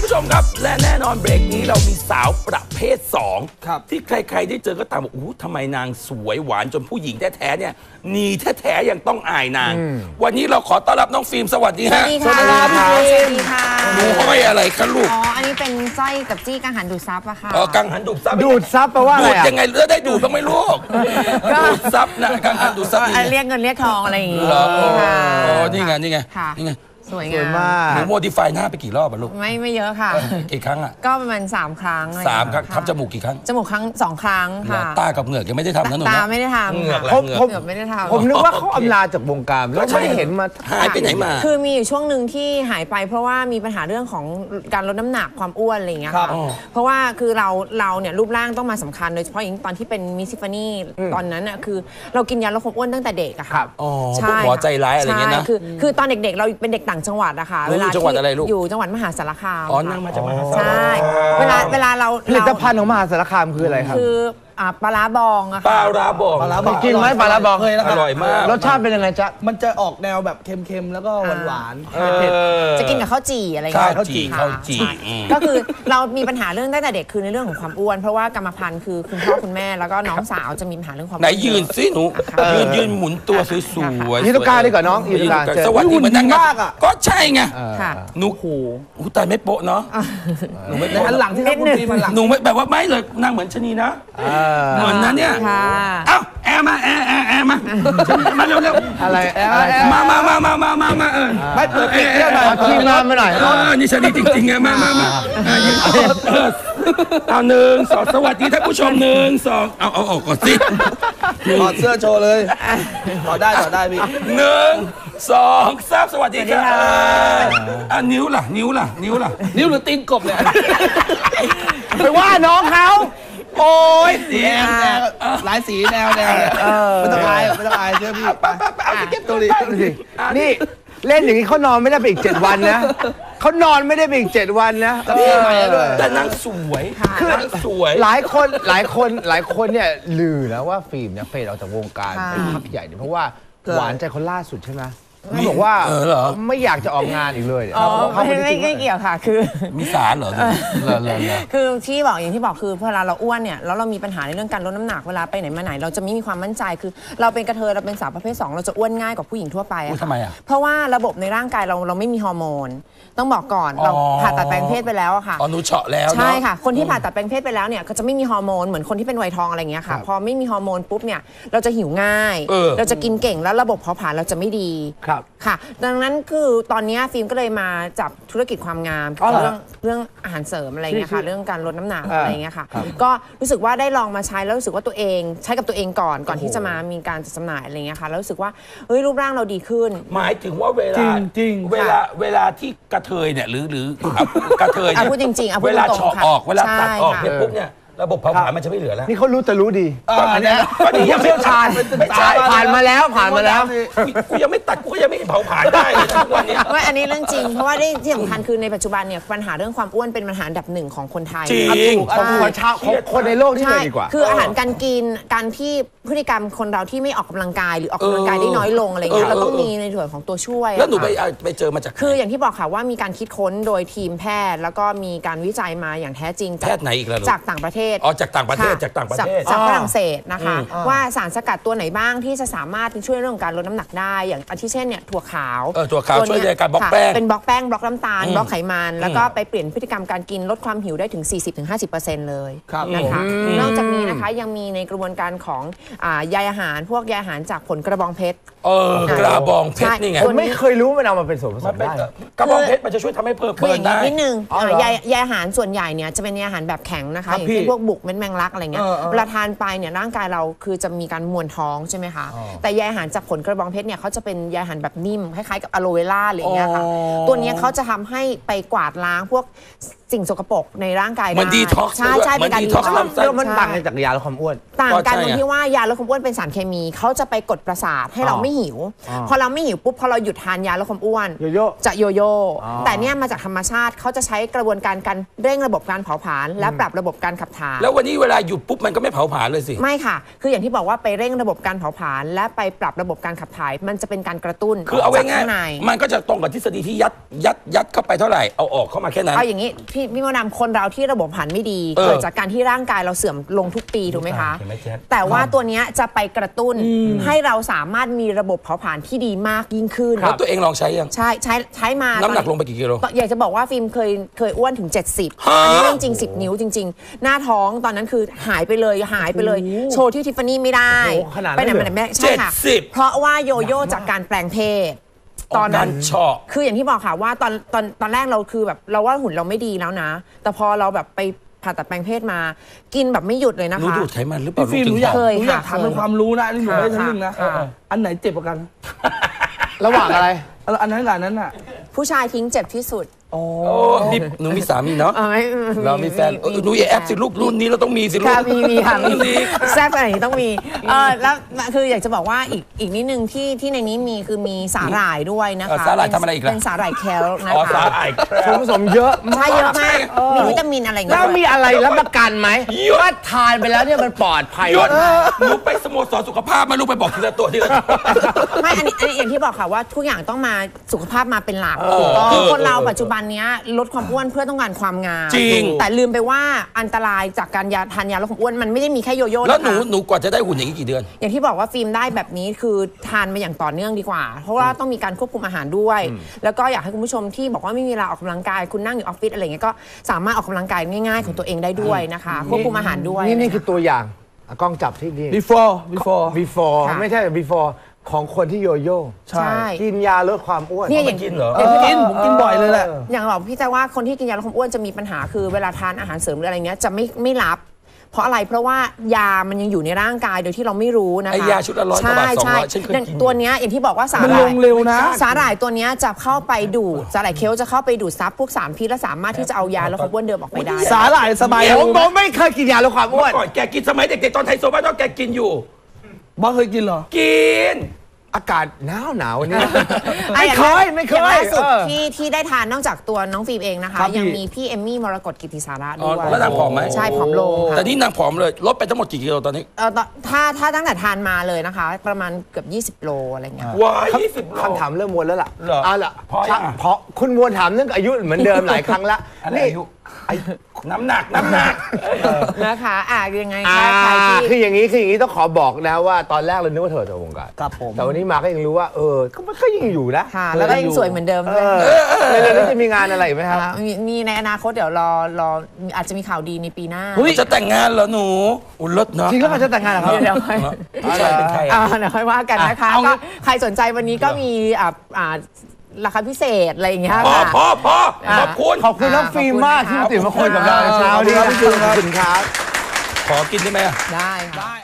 ผู้ชมครับและแน่นอนเบรกนี้เรามีสาวประเภท2ที่ใครๆได้เจอก็ตามบอกอู้ทำไมนางสวยหวานจนผู้หญิงแท้ๆเนี่ยนีแท้ๆยังต้องอายนางวันนี้เราขอต้อนรับน้องฟิล์มสวัสดีฮะสวัสดีค่ะสวัสดีค่ะหนูห้อยอะไรคะลูกอันนี้เป็นสร้อยกับจี้กังหันดูดซับอะค่ะกังหันดูดซับดูดซับแปลว่าอะไรดูดยังไงแล้วได้ดูดบ้างไหมลูกดูดซับนะกังหันดูดซับเรียกเงินเรียกทองอะไรอย่างงี้ค่ะนี่ไงนี่ไงสวยงามหนูโมดิฟายหน้าไปกี่รอบอะลูกไม่เยอะค่ะกี่ครั้งอะก็ประมาณ3 ครั้ง 3 ครั้งทำจมูกกี่ครั้งจมูก2 ครั้งค่ะตากับเหงือกยังไม่ได้ทำนะหนูตาไม่ได้ทำเหงือกไม่ได้ทำผมนึกว่าเขาอำลาจากวงการแล้วไม่เห็นมาหายไปไหนมาคือมีอยู่ช่วงหนึ่งที่หายไปเพราะว่ามีปัญหาเรื่องของการลดน้ำหนักความอ้วนอะไรอย่างเงี้ยค่ะเพราะว่าคือเราเนี่ยรูปร่างต้องมาสำคัญโดยเฉพาะอย่างตอนที่เป็นมิสซิฟานี่ตอนนั้นอะคือเรากินยาลดความอ้วนตั้งแต่เด็กอะค่ะใช่หมอใจร้ายอะไรเงี้ยนะคือตอนเด็กๆเราเป็นเด็กต่างจังหวัดอะค่ะจังหวัดอะไรลูกอยู่จังหวัดมหาสารคามนั่งมาจากมหาสารคามใช่เวลาเราผลิตภัณฑ์ของมหาสารคามคืออะไรครับคือปลาร้าบองอะค่ะปลาร้าบองกินไหมปลาร้าบองเคยแล้วอร่อยมากรสชาติเป็นยังไงจ๊ะมันจะออกแนวแบบเค็มๆแล้วก็หวานจะกินกับข้าวจี่อะไรอย่างเงี้ยข้าวจี่ก็คือเรามีปัญหาเรื่องตั้งแต่เด็กคือในเรื่องของความอ้วนเพราะว่ากรรมพันธุ์คือคุณพ่อคุณแม่แล้วก็น้องสาวจะมีปัญหาเรื่องความไหนยืนสิหนูยืนหมุนตัวสวยๆยืนตรงกลางดีกว่าน้องยืนตรงกลางสวัสดีเหมือนนั่งก็ใช่ไงหนูตายไม่โป๊ะเนาะหนูไม่หันหลังที่คุณตีมันหลังหนูไม่แบบว่าไม่เลยนั่งเหมือนชนีนะเหมือนนั้นเนี่ยเอ้าแอร์มามาเร็วๆอะไรมาไม่เปิดปิดเรื่องหน่อยทีมงานมาหน่อยนี่ชนีจริงๆไงมาเอา1 2สวัสดีท่านผู้ชม1 2เอาออกก่อนสิถอดเสื้อโชว์เลยถอดได้พี่ 1 2 3สวัสดีค่ะนิ้วล่ะนิ้วหรือตีนกบเนี่ยไปว่าน้องเขาโอ้ยแนวหลายสีแนวไม่ต้องอายเชื่อพี่ไปเก็บตัวนี้นี่เล่นอย่างนี้เขานอนไม่ได้ไปอีก7 วันนะเขานอนไม่ได้ไปอีก7 วันนะแต่นางสวยคือสวยหลายคนเนี่ยลือนะว่าฟิล์มเนี่ยเฟดออกจากวงการไปพักใหญ่เพราะว่าหวานใจคนล่าสุดใช่ไหมเขาบอกว่าไม่อยากจะออกงานอีกเลยเขาไม่เกี่ยวค่ะคือมีสารเหรอคือที่บอกอย่างที่บอกคือเวลาเราอ้วนเนี่ยแล้วเรามีปัญหาในเรื่องการลดน้ำหนักเวลาไปไหนมาไหนเราจะไม่มีความมั่นใจคือเราเป็นกระเทยเราเป็นสาวประเภท2เราจะอ้วนง่ายกว่าผู้หญิงทั่วไปทำไมอ่ะเพราะว่าระบบในร่างกายเราไม่มีฮอร์โมนต้องบอกก่อนเราผ่าตัดแปลงเพศไปแล้วอะค่ะหนูเฉาะแล้วใช่ค่ะคนที่ผ่าตัดแปลงเพศไปแล้วเนี่ยก็จะไม่มีฮอร์โมนเหมือนคนที่เป็นวัยทองอะไรเงี้ยค่ะพอไม่มีฮอร์โมนปุ๊บเนี่ยเราจะหิวง่ายเราจะกินเก่งแล้วระบบเผาผลาญเราจะไม่ดีค่ะดังนั้นคือตอนนี้ฟิล์มก็เลยมาจับธุรกิจความงามเรื่องอาหารเสริมอะไรเงี้ยค่ะเรื่องการลดน้ำหนักอะไรเงี้ยค่ะก็รู้สึกว่าได้ลองมาใช้แล้วรู้สึกว่าตัวเองใช้กับตัวเองก่อนที่จะมามีการจัดจำหน่ายอะไรเงี้ยค่ะแล้วรู้สึกว่าเฮ้ยรูปร่างเราดีขึ้นหมายถึงว่าเวลาที่กระเทยเนี่ยหรือกระเทยพูดจริงๆเวลาเฉาะออกเวลาตัดออกเนี่ยปุ๊บเนี่ยระบบเผาผลาญมันจะไม่เหลือแล้วนี่เขารู้แต่รู้ดีอันนี้ก็ดีเชี่ยวชาญผ่านมาแล้วกูยังไม่ตัดกูก็ยังไม่เผาผลาญได้เลยทุกวันนี้ว่าอันนี้เรื่องจริงเพราะว่าที่สำคัญคือในปัจจุบันเนี่ยปัญหาเรื่องความอ้วนเป็นปัญหาอันดับ1ของคนไทยจริงของชาวคนในโลกที่เลยดีกว่าคืออาหารการกินการที่พฤติกรรมคนเราที่ไม่ออกกำลังกายหรือออกกำลังกายได้น้อยลงอะไรเงี้ยเราต้องมีในส่วนของตัวช่วยแล้วหนูไปเจอมาจากคืออย่างที่บอกค่ะว่ามีการคิดค้นโดยทีมแพทย์แล้วก็มีการวิจัยมาอย่างแท้จริงแพทย์ไหนอีกแล้วจากต่างประเทศจากต่างประเทศจากฝรั่งเศสนะคะว่าสารสกัดตัวไหนบ้างที่จะสามารถช่วยเรื่องการลดน้ำหนักได้อย่างอาทิเช่นเนี่ยถั่วขาวช่วยในการบล็อกแป้งเป็นบล็อกแป้งบล็อกน้ำตาลบล็อกไขมันแล้วก็ไปเปลี่ยนพฤติกรรมการกินลดความหิวได้ถึง 40-50% เลยนะคะนอกจากนี้นะคะยังมีในกระบวนการของใยอาหารพวกใยอาหารจากผลกระบองเพชรกระบองเพชรนี่ไงไม่เคยรู้มันเอามาเป็นส่วนผสมได้กระบองเพชรมันจะช่วยทำให้เพิ่มได้นิดนึงใยอาหารส่วนใหญ่เนี่ยจะเป็นใยอาหารแบบแข็งนะคะอย่างเช่นพวกบุกเม็ดแมงลักอะไรเงี้ยเวลาทานไปเนี่ยร่างกายเราคือจะมีการมวนท้องใช่ไหมคะแต่ใยอาหารจากผลกระบองเพชรเนี่ยเขาจะเป็นใยอาหารแบบนิ่มคล้ายๆกับอะโลเวล่าอะไรอย่างเงี้ยค่ะตัวนี้เขาจะทำให้ไปกวาดล้างพวกสิ่งสกปรกในร่างกายได้มันดีท็อกซ์ใช่เป็นการดีท็อกซ์มันต่างจากยาลดความอ้วนต่างกันตรงที่ว่ายาลดความอ้วนเป็นสารเคมีเขาจะไปกดประสาทให้เราไม่หิวพอเราไม่หิวปุ๊บพอเราหยุดทานยาลดความอ้วนจะโยโย่แต่เนี่ยมาจากธรรมชาติเขาจะใช้กระบวนการเร่งระบบการเผาผลาญและปรับระบบการขับถ่ายแล้ววันนี้เวลาหยุดปุ๊บมันก็ไม่เผาผลาญเลยสิไม่ค่ะคืออย่างที่บอกว่าไปเร่งระบบการเผาผลาญและไปปรับระบบการขับถ่ายมันจะเป็นการกระตุ้นคือเอาไว้ง่ายมันก็จะตรงกับทฤษฎีที่ยัดเข้าไปเท่าไหร่เอาออกเข้ามาแค่นั้นเอาอย่างนี้พพี่มดดำคนเราที่ระบบเผาผลาญไม่ดีเกิดจากการที่ร่างกายเราเสื่อมลงทุกปีถูกไหมคะแต่ว่าตัวเนี้ยจะไปกระตุ้นให้เราสามารถมีระบบเผาผลาญที่ดีมากยิ่งขึ้นแล้วตัวเองลองใช้ยังใช้มาน้ำหนักลงไปกี่กิโลอยากจะบอกว่าฟิล์มเคยอ้วนถึง70อันนี้จริง10 นิ้วจริงๆหน้าท้องตอนนั้นคือหายไปเลยโชว์ที่ทิฟฟานี่ไม่ได้ไปไหนมาไหนไม่ใช่ค่ะเพราะว่าโยโย่จากการแปลงเพศตอนนั้นชอบคืออย่างที่บอกค่ะว่าตอนแรกเราคือแบบเราว่าหุ่นเราไม่ดีแล้วนะแต่พอเราแบบไปผ่าตัดแปลงเพศมากินแบบไม่หยุดเลยนะคะรู้ดูดไขมันหรือเปล่าพี่หนูอยากถามเป็นความรู้นะนี่หนูได้ทั้งนึงนะอันไหนเจ็บกว่ากันระหว่างอะไรอันนั้นน่ะผู้ชายทิ้งเจ็บที่สุดโอ้หนูมีสามีเนาะเรามีแฟนหนูอย่าแอบสิลูกรุ่นนี้เราต้องมีสิลูกมีค่ะแซ่บอะไรต้องมีแล้วคืออยากจะบอกว่าอีกนิดนึงที่ในนี้คือมีสาหร่ายด้วยนะคะสาหร่ายทำอะไรอีกล่ะเป็นสาหร่ายแคลนะคะสาหร่ายส่วนผสมเยอะใช่เยอะมากมีวิตามินอะไรแล้วมีอะไรรับประกันไหมว่าทานไปแล้วเนี่ยมันปลอดภัยหนูไปสโมสรสุขภาพมาลูกไปบอกทีละตัวไม่อันนี้อย่างที่บอกค่ะว่าทุกอย่างต้องมาสุขภาพมาเป็นหลักคือคนเราปัจจุบันนี้ลดความอ้วนเพื่อต้องการความงามจริงแต่ลืมไปว่าอันตรายจากการทานยาลดความอ้วนมันไม่ได้มีแค่โยโย่แล้วหนูกว่าจะได้หุ่นอย่างนี้กี่เดือนอย่างที่บอกว่าฟิล์มได้แบบนี้คือทานมาอย่างต่อเนื่องดีกว่าเพราะว่าต้องมีการควบคุมอาหารด้วยแล้วก็อยากให้คุณผู้ชมที่บอกว่าไม่มีเวลาออกกำลังกายคุณนั่งอยู่ออฟฟิศอะไรเงี้ยก็สามารถออกกำลังกายง่ายๆของตัวเองได้ด้วยนะคะควบคุมอาหารด้วยนี่คือตัวอย่างกล้องจับที่นี่ before ไม่ใช่ before ของคนที่โยโย่ใช่กินยาลดความอ้วนเนี่ยอย่างกินเหรอผมกินบ่อยเลยแหละอย่างบอกพี่แต่ว่าคนที่กินยาลดความอ้วนจะมีปัญหาคือเวลาทานอาหารเสริมหรืออะไรเงี้ยจะไม่รับเพราะอะไรเพราะว่ายามันยังอยู่ในร่างกายโดยที่เราไม่รู้นะคะไอยาชุดละ100 กว่าบาท200ฉันเคยกินตัวเนี้ยอย่างที่บอกว่าสาหร่ายมันลงเร็วนะสาหร่ายตัวเนี้ยจะเข้าไปดูดสาหร่ายเคลจะเข้าไปดูดซับพวกสารพิษและสามารถที่จะเอายาลดความอ้วนเดิมออกไปได้สาหร่ายสบายผมไม่เคยกินยาลดความอ้วนก่อนแกกินสมัยเด็กๆตอนไทโซบ้านแกกินอยู่บ้าเคยกินเหรอกินอากาศหนาวนี่ไม่เคยล่าสุดที่ได้ทานนอกจากตัวน้องฟิล์มเองนะคะยังมีพี่เอมมี่มรกตกิติสาระด้วยแล้วนางผอมไหมใช่ผอมลงแต่นี่นางผอมเลยลดไปทั้งหมดกี่กิโลตอนนี้ถ้าตั้งแต่ทานมาเลยนะคะประมาณเกือบ20 โลอะไรเงี้ยว้าย20 โลคำถามเริ่มวนแล้วล่ะล่ะเพราะคุณวนถามเรื่องอายุเหมือนเดิมหลายครั้งละนี่น้ำหนักนะคะยังไงคืออย่างนี้ต้องขอบอกนะว่าตอนแรกเรานึกว่าเธอจะวงการครับผมแต่วันนี้มาก็ยังรู้ว่าก็ยังอยู่นะแล้วก็ยังสวยเหมือนเดิมเลยแล้วจะมีงานอะไรไหมครับมีในอนาคตเดี๋ยวรออาจจะมีข่าวดีในปีหน้าจะแต่งงานเหรอหนูอุ่นรถเนาะจริงก็จะแต่งงานเหรอครับเดี๋ยวค่อยเป็นใครเดี๋ยวค่อยว่ากันนะคะก็ใครสนใจวันนี้ก็มีราคาพิเศษอะไรอย่างเงี้ยพอขอบคุณน้องฟิล์มมากที่มาตื่นมาคุยกับเราในเช้านี้ขอบคุณครับขอกินได้ไหมได้ค่ะ